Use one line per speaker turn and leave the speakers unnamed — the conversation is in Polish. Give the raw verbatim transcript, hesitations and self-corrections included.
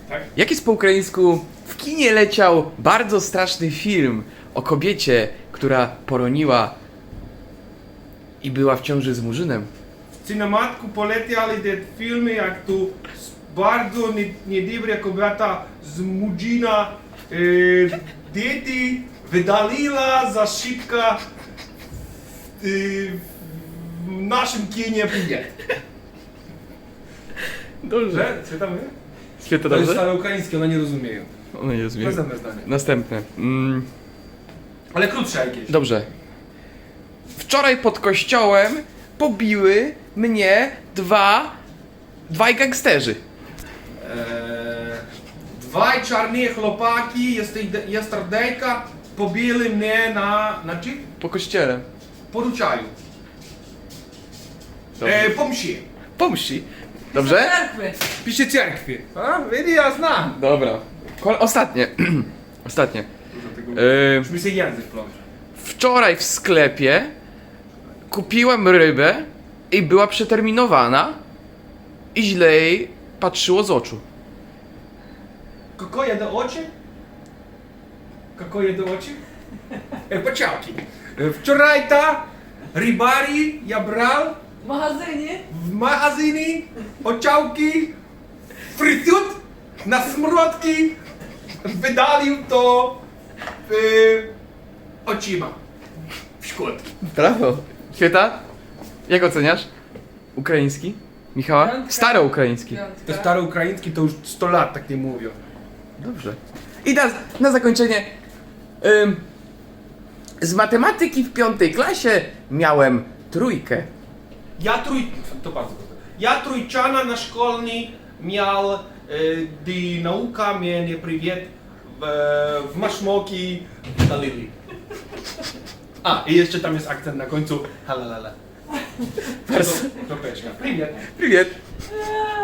Tak?
Jak jest po ukraińsku? W kinie leciał bardzo straszny film o kobiecie, która poroniła i była w ciąży z murzynem.
W cinematku poleciali te filmy, jak tu bardzo niedobra kobieta z murzyna e, dzieci wydaliła za szybko e, w naszym kinie bilet.
Dobrze.
Co tam jest?
Świetnie
To jest
dobrze?
stare ukraińskie, one nie rozumieją.
One nie rozumieją.
Następne zdanie.
Następne. Mm,
Ale krótsze jakieś.
dobrze. Wczoraj pod kościołem pobiły mnie dwa... dwaj gangsterzy.
Eee, Dwaj czarni chłopaki, yesterday-ka, pobili mnie na... na czym?
Po kościele.
Poruczaju.
Dobrze.
E, po mszy.
Pomści. Dobrze?
Cerkwy.
Pisze cerkwi. A, widzi, ja znam.
Dobra. Kol- ostatnie. Ostatnie. Yy,
Już mi się język plącze.
wczoraj w sklepie kupiłem rybę i była przeterminowana i źle jej patrzyło z oczu.
Какое до очі? Какое до очі? Е, почавки. Е, Вчорай та рибарі я брав
W magazynie.
в магазині очавки, фритют на смородки, видалив то е, очима. В шкодки.
Brawo. Świeta? Jak oceniasz? Ukraiński? Michała?
Piątka.
Staroukraiński.
To
Piątka.
staroukraiński to już sto lat tak nie mówią.
Dobrze. I na, na zakończenie. Ym, z matematyki w piątej klasie miałem trójkę.
Я труй... To bardzo proste. Я труйчана на школьні miał, dy nauka mnie привіт w, w maszmoki dalili. A, i jeszcze tam jest akcent na końcu. Halalala.
Bardzo.
Kropeczka. Привіт.
Привет.
Eee,